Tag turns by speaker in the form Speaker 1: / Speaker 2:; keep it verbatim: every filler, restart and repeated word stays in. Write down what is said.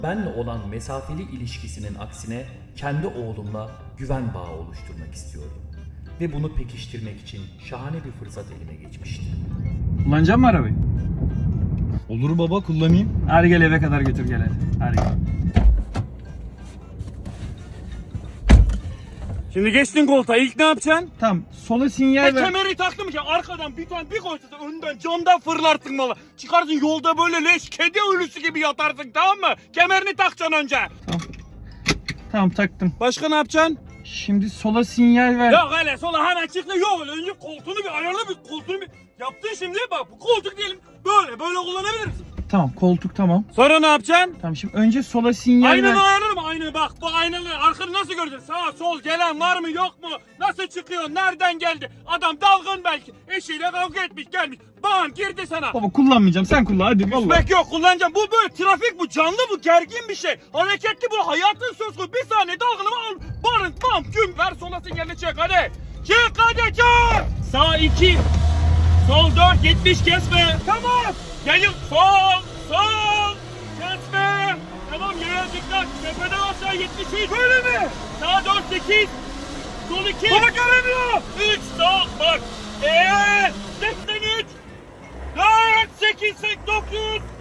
Speaker 1: Benle olan mesafeli ilişkisinin aksine kendi oğlumla güven bağı oluşturmak istiyordum. Ve bunu pekiştirmek için şahane bir fırsat elime geçmişti.
Speaker 2: Kullanacak mısın arabayı?
Speaker 3: Olur baba, kullanayım.
Speaker 2: Hadi gel eve kadar götür gel hadi. Hadi gel.
Speaker 4: Şimdi geçtin koltuğa, ilk ne yapacaksın?
Speaker 2: Tamam, sola sinyal
Speaker 4: Ben
Speaker 2: ver.
Speaker 4: kemeri taktım ki arkadan bir tane bir koysa önden camdan fırlarsın valla. Çıkarsın yolda böyle leş kedi ölüsü gibi yatarsın, tamam mı? Kemerini takacaksın önce.
Speaker 2: Tamam, taktım.
Speaker 4: Başka ne yapacaksın?
Speaker 2: Şimdi sola sinyal ver.
Speaker 4: Yok hele sola hemen çıktı, yok öyle önce koltuğunu bir ayarla, bir koltuğunu bir yaptın şimdi, bak bu koltuk diyelim böyle böyle kullanabilirsin.
Speaker 2: Tamam, koltuk tamam.
Speaker 4: Sonra ne yapacaksın?
Speaker 2: Tamam, şimdi önce sola sinyal ver.
Speaker 4: Aynanı ayarlarım, aynı bak bu aynalı arkanı nasıl göreceksin? Sağa sol gelen var mı yok mu? Nasıl çıkıyor? Nereden geldi? Adam dalgın belki. Eşiyle kavga etmiş gelmiş. Bam girdi sana.
Speaker 2: Baba kullanmayacağım, sen kullan hadi vallahi.
Speaker 4: Üzmek yok, kullanacağım. Bu böyle trafik, bu canlı, bu gergin bir şey. Hareketli, bu hayatın söz konusu. Bir saniye dalgınımı al. Barın bam güm ver, sola sinyalini çek hadi. Çık hadi çık. Sağ iki. Sol dört, yetmiş kesme. Tamam. Gelin sol sol. Kesme. Tamam, yere dikkat. Tepeden aşağı yetmiş üç. Böyle mi? Sağ dört sekiz. Sol iki. Baba göremiyor. üç sol bak. Eee seksen üç. dört sekiz dokuz